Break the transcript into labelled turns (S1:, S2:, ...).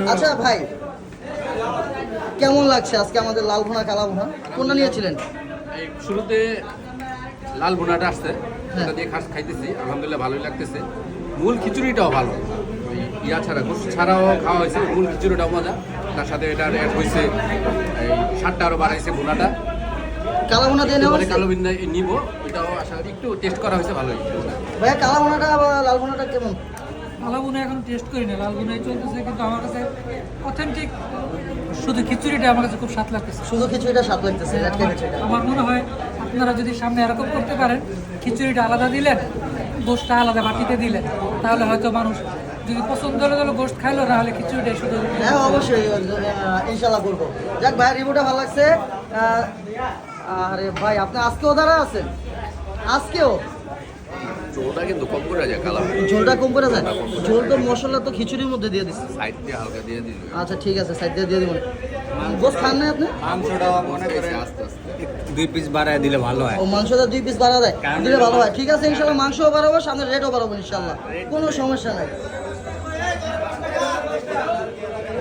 S1: আচ্ছা ভাই, কেমন লাগছে আজকে আমাদের লাল ভুনা কালা ভুনা কোনটা নিয়েছিলেন?
S2: এই শুরুতে লাল ভুনাটা আসছে, ওটা দিয়ে খাইতেছি, আলহামদুলিল্লাহ ভালোই লাগতেছে। মূল খিচুড়িটাও ভালো, ওই ইয়া ছাড়া গোস্ত ছাড়াও খাওয়া হয়েছে, মূল খিচুড়িটাও মজা। তার সাথে এটা অ্যাড হয়েছে, এই স্বাদটা আরও বাড়াইছে ভুনাটা।
S1: কালা ভুনা দিয়ে নেওয়া
S2: এবারে
S1: হয়েছে?
S2: কালো বিন্দা নিব, ওইটাও আশা করি একটু টেস্ট করা হয়েছে, ভালোই।
S1: ভাইয়া কালা ভুনাটা বা লাল ভুনাটা কেমন?
S3: লাল ভুনা এখন টেস্ট করি না, লাল ভুনাই চলতেছে, কিন্তু আমার কাছে অথেন্টিক শুধু খিচুড়িটা আমার কাছে খুব স্বাদ লাগতেছে।
S1: শুধু খিচুড়িটা স্বাদ লাগতেছে, আজকে খিচুড়িটা।
S3: আমার মনে হয় আপনারা যদি সামনে এরকম করতে পারেন, খিচুড়িটা আলাদা দিলেন, গোশতটা আলাদা বাটিতে দিলেন, তাহলে হয়তো মানুষ যদি পছন্দ হলে গোশত খাইলো, না হলে খিচুড়িটাই শুধু।
S1: হ্যাঁ অবশ্যই, ইনশাল্লাহ করবো। যাক ভাই, রিভিউটা ভালো লাগছে। আরে ভাই, আপনি আজকেও দাঁড়া আছেন? আজকেও
S2: ঝোলটা কিন্তু কম করে যায়, কালার
S1: ঝোলটা কম করে যায়? ঝোল তো মশলা তো খিচুড়ির মধ্যে দিয়ে দিচ্ছে।
S2: সাইড দিয়ে হালকা দিয়ে দিল।
S1: আচ্ছা ঠিক আছে, সাইড দিয়ে দিব। গোস্ত খান না আপনি?
S4: মাংসটা মনে করে
S2: আস্তে আস্তে
S4: 2 পিস বাড়ায় দিলে ভালো হয়।
S1: ও মাংসটা 2 পিস বাড়া দেয়, দিলে ভালো হয়। ঠিক আছে, ইনশাল্লাহ মাংসও বাড়াবো, সামনে রেটও বাড়াবো ইনশাল্লাহ, কোনো সমস্যা নাই।